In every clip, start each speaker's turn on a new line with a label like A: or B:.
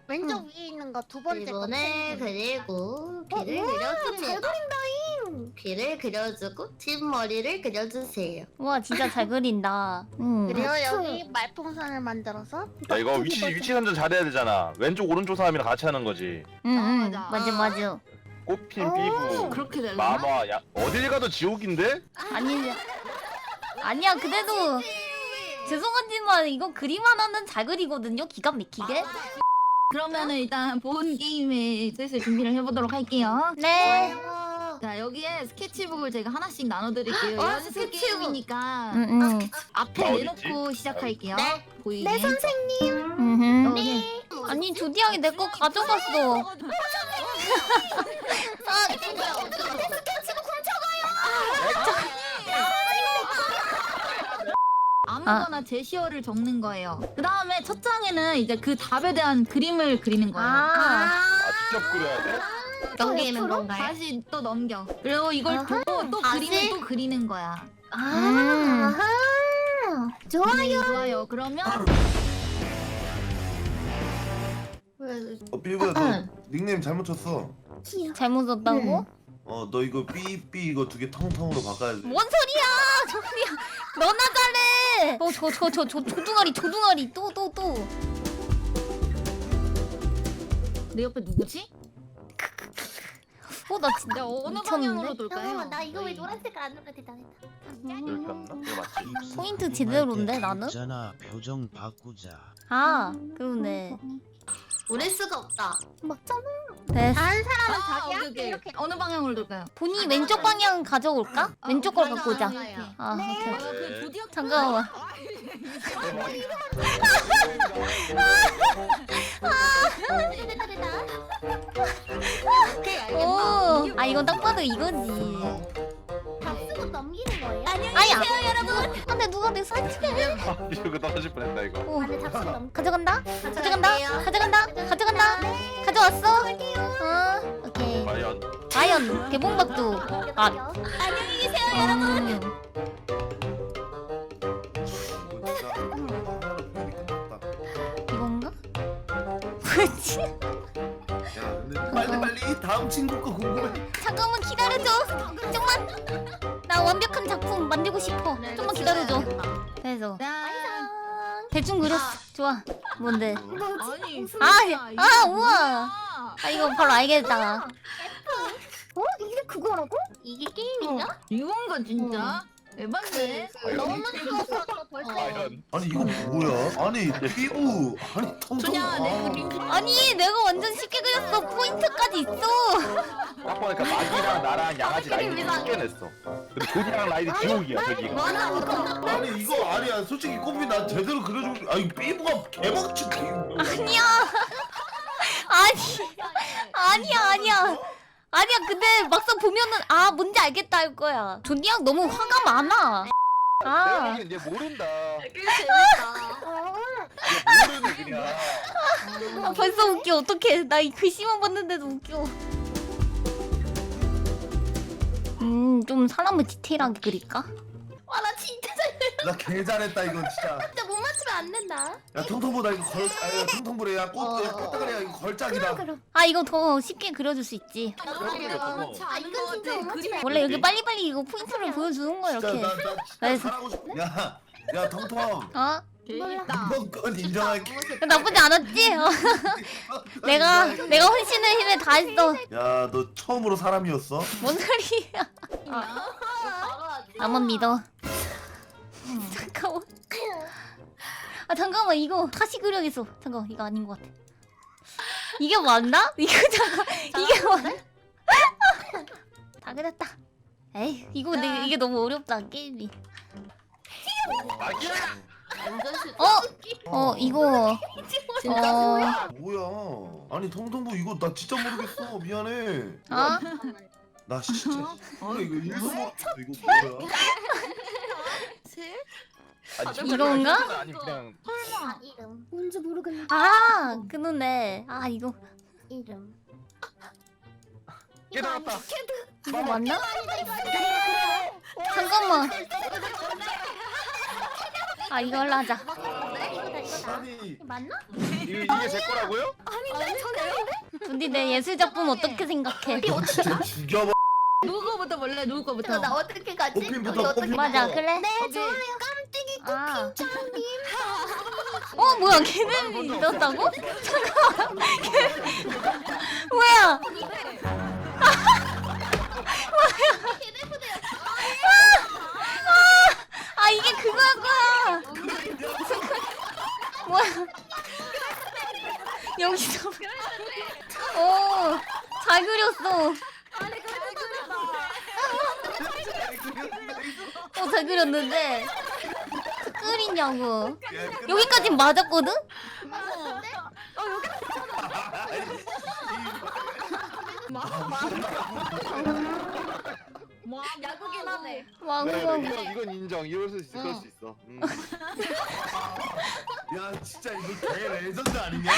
A: 왼쪽 위에 있는 거 두 번째 거.
B: 이번에 그리고 귀를 그려줍니다. 귀를 그려주고 뒷머리를 그려주세요.
C: 우와 진짜 잘 그린다.
A: 그리고 여기 말풍선을 만들어서.
D: 야 이거 위치 선정 잘해야 되잖아. 왼쪽 오른쪽 사람이랑 같이 하는 거지.
C: 응응
E: 맞아.
C: 맞아 맞아.
D: 꽃핀 삐부
E: 그렇게 되려나?
D: 마마 야 어딜 가도 지옥인데?
C: 아니 아니야 그래도 죄송하지만 이거 그림 하나는 잘 그리거든요. 기가 막히게.
E: 그러면은 일단 본 게임에 슬슬 준비를 해보도록 할게요.
C: 네.
E: 자 여기에 스케치북을 제가 하나씩 나눠드릴게요. 연습
C: 스케치북.
E: 게임이니까
C: 응응.
E: 앞에
D: 나 어딨지?
E: 내놓고 시작할게요.
A: 네.
E: 보이게.
A: 네 선생님.
C: 응.
E: 네.
C: 아니 조디양이 내 거 가져갔어.
E: 아무거나 제시어를 적는 거예요. 그 다음에 첫 장에는 이제 그 답에 대한 그림을 그리는 거예요.
C: 아.
D: 직접 그려야 돼?
B: 넘기는 건가요?
E: 다시 또 넘겨. 그리고 이걸 보고 또
B: 다시?
E: 그림을 또 그리는 거야.
C: 음.
A: 좋아요.
E: 좋아요. 그러면
F: 삐부야 너 닉네임 잘못 쳤어.
C: 잘못 썼다고?
F: 너 이거 삐삐 이거 두 개 텅텅으로 바꿔야 돼.
C: 뭔 소리야? 조디양 너나 잘해. 저 조둥아리 또.
E: 내 옆에 누구지?
C: 나 진짜
E: 내가 어느
C: 미쳤는데?
E: 방향으로 돌까요?
A: 잠깐만 나 이거 왜 노란색 안 누르게 됐다.
D: 이렇게 했나? 이거 맞지?
C: 포인트 제대로인데 나는?
G: 있잖아 표정 바꾸자.
C: 아 그러네.
B: 우릴 수가 없다.
A: 맞잖아.
C: 네.
A: 다른 사람은 자기
E: 오케이,
A: 할게
E: 오케이.
A: 이렇게.
E: 어느 방향으로 돌까요?
C: 본이 왼쪽 방향 가져올까? 왼쪽 걸 갖고 오자.
B: 맞아요.
C: 아 오케이.
E: 그 조디악
C: 잠깐만.
A: 됐다.
C: 오. 아 이건 딱 봐도 이거지.
A: 다 쓰고 넘기는 거예요?
C: 아야. 여러분. 근데 누가 내 사진을?
D: 이거 떨어질 뻔했다 이거.
C: 오.
A: 안에 잡수 넘.
C: 가져간다. 가져왔어. 오케이. 과연 개봉박두. 아.
A: 안녕히 계세요.
F: 이거 진짜 하나로 표현이 끝났다.
C: 이건가? 뭐지?
F: 야 근데 빨리 다음 친구 거 궁금해.
C: 잠깐만 기다려줘. 좀만. 나 완벽한 작품 만들고 싶어. 좀만 기다려줘. 됐어.
E: 짠.
C: 대충 그렸어. 좋아. 뭔데?
E: 아니.
C: 우와. 아 이거 바로 알겠다.
A: 이게 그거라고? 이게 게임이냐?
E: 이건가 진짜? 에반데?
A: 너무 쉬워서 벌써.
D: 과연
F: 아니 이거 뭐야? 아니 삐부 아니 텅텅.
E: 준영아 내 그림 좀.
C: 아니 내가 완전 쉽게 그렸어. 포인트까지 있어.
D: 딱 보니까 마기랑 나랑 양아지 라인이 섞여냈어. 근데 조디랑 라인이 지옥이야 저기가.
F: 아니 이거 아니야. 솔직히 꽃비 난 제대로 그려주고. 아니 삐부가 개박치.
C: 아니야. 아니야. 아니야 근데 막상 보면은 아 뭔지 알겠다 할 거야. 존니양 너무 화가 많아.
D: 내가
C: 아.
D: 보기엔 얘 모른다.
A: 재밌다.
D: 얘 모르네 그냥.
C: 아, 벌써 웃겨. 어떡해. 나 이 글씨만 봤는데도 웃겨. 좀 사람을 디테일하게 그릴까?
A: 와나 진짜
F: 나개 잘했다 이거 진짜.
A: 진짜 못 맞추면 안 된다.
F: 야 텅텅보다 이거 텅텅보래야 꽃다가리야 이거 걸작이다.
C: 아 이거 더 쉽게 그려줄 수 있지.
E: 아는 거 같아. 그림.
C: 원래 여기 빨리빨리 이거 포인트를 보여주는 거야
F: 진짜
C: 이렇게.
F: 나
C: 그래서-
F: 잘하고 싶어. 야 텅텅.
C: 어?
E: 재밌다.
F: 이번 건 인정할게.
C: 나쁘지 않았지? 내가 혼신의 힘에 다 했어.
F: 야 너 처음으로 사람이었어?
C: 뭔 소리야? 나만 믿어. 잠깐만. 아 잠깐만 이거 다시 그려야겠어. 잠깐 이거 아닌 것 같아. 이게 맞나? 이거 잠깐 이게 맞나? 다 그렸다. 에이 이거 근데 이게 너무 어렵다 게임이.
D: 마기야.
C: 이거
F: 뭐야? 아니 텅텅보 이거 나 진짜 모르겠어. 미안해.
C: 어?
F: 나 진짜. 이거 일도 모르겠어. 이거 뭐야?
D: 아니, 진짜
C: 이건가?
D: 그냥 아니 그냥
A: 이름. 뭔지 모르겠네.
C: 아 그러네. 아 이거
A: 이름.
D: 깨달았다.
C: 이거 맞나? 잠깐만. 아 이걸로 하자.
A: 이거다.
F: 아니
A: 맞나?
D: 이게 제 거라고요?
C: 근데 내 예술 작품 어떻게 생각해?
F: 진짜 죽여봐.
E: 누구 거부터 볼래? 누구 거부터?
A: 나 어떻게 가지?
F: 꽃핀부터,
A: 여기 어떻게
F: 꽃핀부터.
C: 맞아 그래?
A: 네 좋아요. 깜찍이
C: 아.
A: 꽃핀장님.
C: 뭐야 걔는 있었다고? 잠깐만 뭐야? 아 이게 그거야. 뭐야? 여기서 잘 그렸어. 잘 그렸는데 끓이냐고. 여기까진 맞았거든?
A: 야구긴 하네.
C: 와구와구.
D: 이건 인정. 이럴 수 있어. 그럴 수 있어.
F: 야 진짜 이거 개 레전드 아니냐?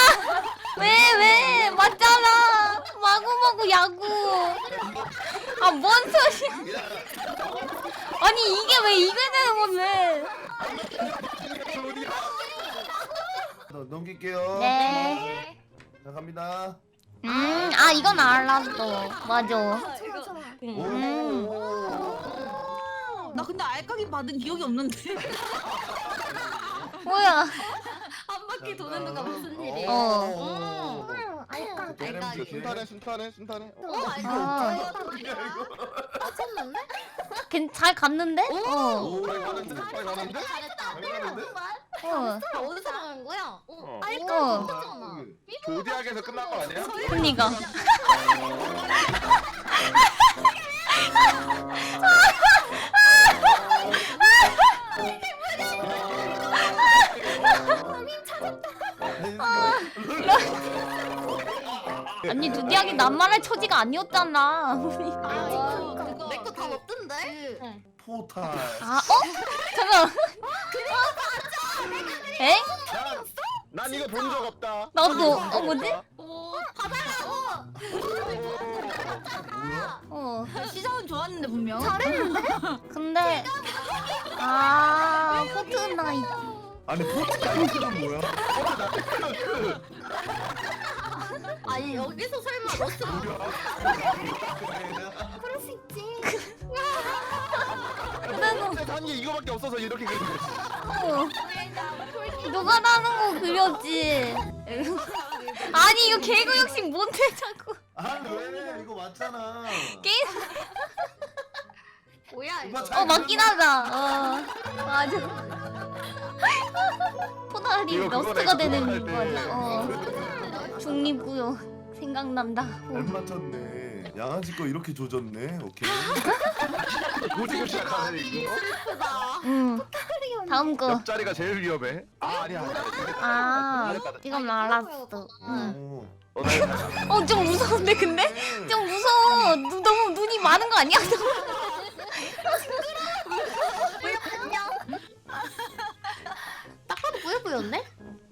C: 왜 맞잖아. 마구마구 야구. 아 뭔 소리야? 아니 이게 왜 이게 되는 건데?
F: 넘길게요.
C: 네.
F: 자 갑니다.
C: 아 이건 알았어. 맞아.
A: 좋아 좋아.
E: 나 근데 알까기 받은 기억이 없는데.
C: 뭐야?
A: 한 바퀴 도는 동안 무슨 일이야? 알까.
D: 순탄해.
C: 아.
A: 맞췄는데?
C: 잘 갔는데?
D: 잘 가는데?
A: 잘했다.
B: 어디서 나간 거야?
D: 조디악에서 끝난 거 아니야?
C: 그니까. 아니 두디하기 낱말할 처지가 아니었잖아.
B: 그거 내거 다 없던데?
F: 포탈.
C: 잠깐. 엥?
D: 난 이거 본 적 없다.
C: 나도. 뭐지?
F: 뭐야?
E: 시작은 좋았는데 분명.
C: 근데 포트나이트.
F: 아니 포탈은 뭐야?
B: 아니 여기서 설마 러스
A: 그럴 수 있지.
D: 한게 이거밖에 없어서 이렇게 그린 거지.
C: 누가 나는 거 그렸지? 아니 이거 개그 욕심 뭔데 자꾸?
F: 아니 왜 이거 맞잖아.
C: 게임?
B: 뭐야
F: 오빠
B: 이거?
F: 잘
C: 맞긴 하다. 맞아. 포탈이
D: 이거
C: 러스트가
D: 그거네,
C: 되는
D: 그거 할 때.
C: 맞아. 중립구요 생각난다.
F: 잘 맞췄네. 양아지 거 이렇게 조졌네. 오케이.
D: 고지고 시작하네 이거.
C: 다음 거.
D: 옆자리가 제일 위험해. 아니야.
C: 이건 알았어.
F: 오.
C: 좀 무서운데 근데? 좀 무서워. 너무 눈이 많은 거 아니야?
B: 딱 봐도 뿌여 보였네?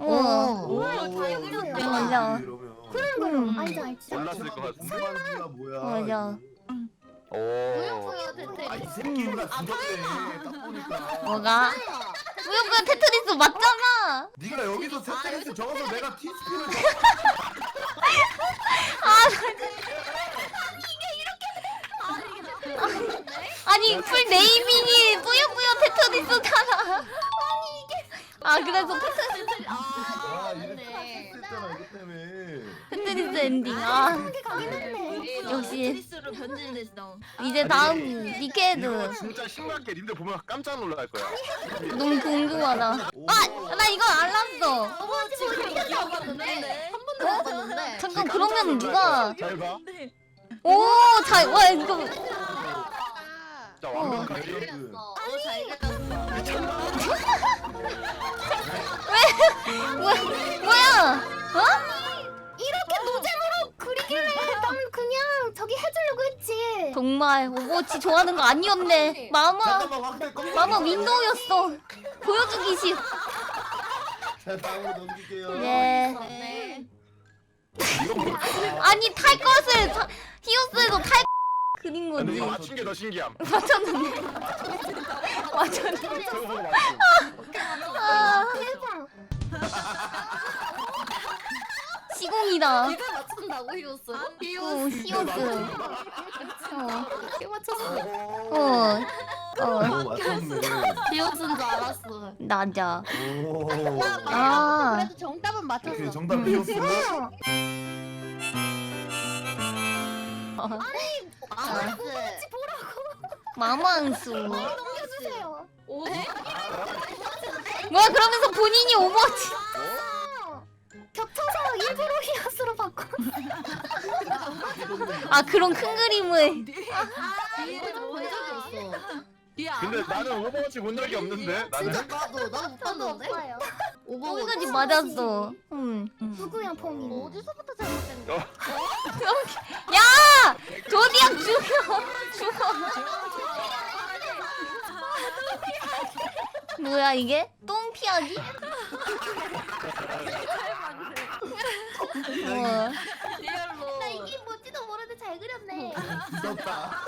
A: 잘 그렸네.
C: 맞아.
F: 이러면
A: 알지 알지.
D: 몰랐을 것 같은데.
F: 무만지가 뭐야?
C: 맞아.
D: 오.
B: 뿌여 대체.
F: 아이 새끼 누나 죽였네. 딱 보니까.
C: 뭐가? 뿌요뿌요 테트리스 맞잖아.
F: 네가 여기서 세트리스 적어서 내가 티스피를
C: 아니 풀 네이밍이 뿌요뿌요 테트리스잖아. 그래서 테트리스
F: 이래 했잖아 이거 때문에.
C: 테트리스 엔딩. 역시
E: 트리스로 변질됐어.
C: 이제 다음
D: 이거
C: 니케드.
D: 진짜 신기하게 님들 보면 깜짝 놀랄 거야.
C: 너무 궁금하다. 나 이거 알았어.
B: 지금 기억하는데 한 번도 못 봤는데.
C: 잠깐 그러면 누가?
D: 잘 봐.
C: 와 이거
D: 자 완벽하게.
B: 잘 그렸어.
C: 뭐야?
A: 이렇게 노잼으로 그리길래 난 그냥 저기 해주려고 했지.
C: 정말 오버워치 좋아하는 거 아니었네. 마마
F: 잠깐만 확대 껌.
C: 마마 윈도우였어. 보여주기 싫.
F: 자 다음으로 넘길게요.
C: 네.
B: 네.
F: 이거 뭐?
C: 아니 탈 것을 히오스에서 탈 그린
D: 근데
C: 거지.
D: 이거 맞춘 게 더 신기함.
C: 맞췄는데. 맞췄는데.
D: 저거 보고 맞춤.
C: 아,
A: 대박.
C: 시공이다.
B: 이걸 맞춘다고 히오스?
C: 오, 히오스. 어,
B: 이게 맞췄어.
C: 어,
F: 오 맞췄네.
B: 히오스인 줄 알았어.
C: 나자.
F: 오.
C: 아,
B: 그래도 정답은 맞췄어.
F: 오케이 정답 피었어.
B: 알았어.
C: 마망수.
A: 넘겨주세요.
B: 오.
C: 뭐야, 그러면서 본인이 오버워치.
A: 겹쳐서 일부러 히어스로 바꿔.
C: 아, 그런 큰 그림을.
B: 이거 본 적이 없어.
D: 근데 나는 오버워치 본 적이 없는데. 나는.
B: 진짜 나도 못 봤는데.
A: 없어요.
C: 거기까지 맞았어.
A: 누구야 펑이?
B: 어디서부터 잘못된 거야?
C: 야! 조디악 죽여! 죽어. 뭐야, 이게? 똥 피하기? 어.
A: 나 이게 뭔지도 모르는데 잘 그렸네.
F: 늦었다.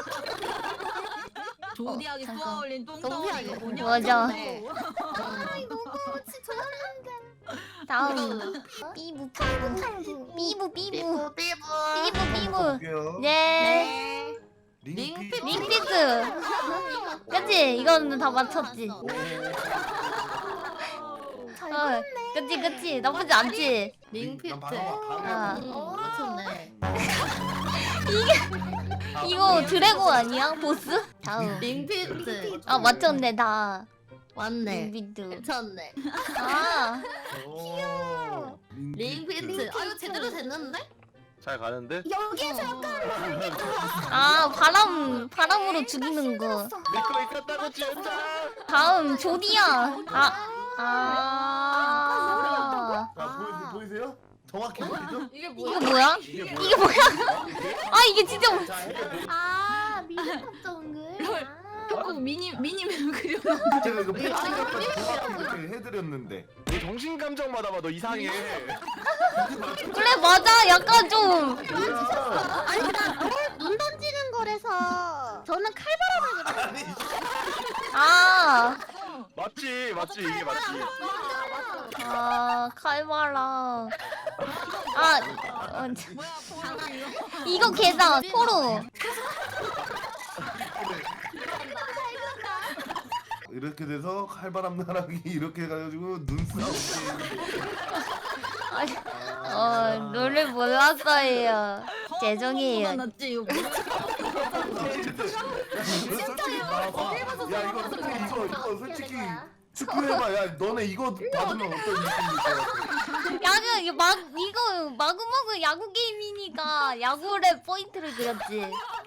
E: 조디하게
C: 잠깐.
E: 쏘아올린 똥덩어리가
B: 정피하게.
E: 뭐냐?
C: 맞아.
B: 네.
A: 아이 너무 같이 좋았는데.
C: 다음. 삐부, 삐부. 삐부, 삐부.
B: 삐부 삐부.
C: 삐부, 삐부.
F: 볼게요.
C: 네.
F: 링피.
C: 링피트. 그치? 이거는 다 맞췄지.
A: 잘
C: 어, 그치, 그치. 나쁘지 않지?
B: 링피트.
C: 아.
B: 맞췄네.
C: 이거 드래곤 아니야? 보스? 다음.
B: 링피트.
C: 아, 맞췄네, 다.
B: 맞네.
C: 링피트.
B: 괜찮네.
C: 아,
F: 귀여워.
B: 링피트. 아 이거 제대로 됐는데?
D: 잘 가는데?
A: 여기에서 약간
C: 아, 바람으로 죽이는 거.
D: 믿고 있었다고 진짜.
C: 다음, 조디야.
F: 자 보이세요? 정확히 보이죠?
B: 이게
C: 이거 뭐야?
F: 이게
C: 이게 뭐야? 아, 이게 진짜.
A: 미니탑 정글.
E: 조금 미니맵 그려.
F: 제가 이거 패치까지 정확히 해드렸는데.
D: 너 정신 감정 받아봐. 너 이상해.
C: 그래, 맞아. 약간 좀.
A: 눈 던지는 거라서 저는 칼바람을
F: 아니
C: 아,
D: 맞지, 맞지. 이게 맞지.
C: 아, 칼바람. 아,
E: 뭐야 포로 이거.
C: 이거 개다. 토로.
F: 이렇게 돼서 칼바람 나락이 이렇게 해가지고 눈싸움.
C: 룰을 몰랐어요. 죄송해요.
E: 낫지 이거.
F: 야 이거 솔직히 스크해봐. 야 너네 이거 받으면 어떤 느낌일 것 같아?
C: 이거 마구마구 야구 게임이니까 야구에 포인트를 그렸지.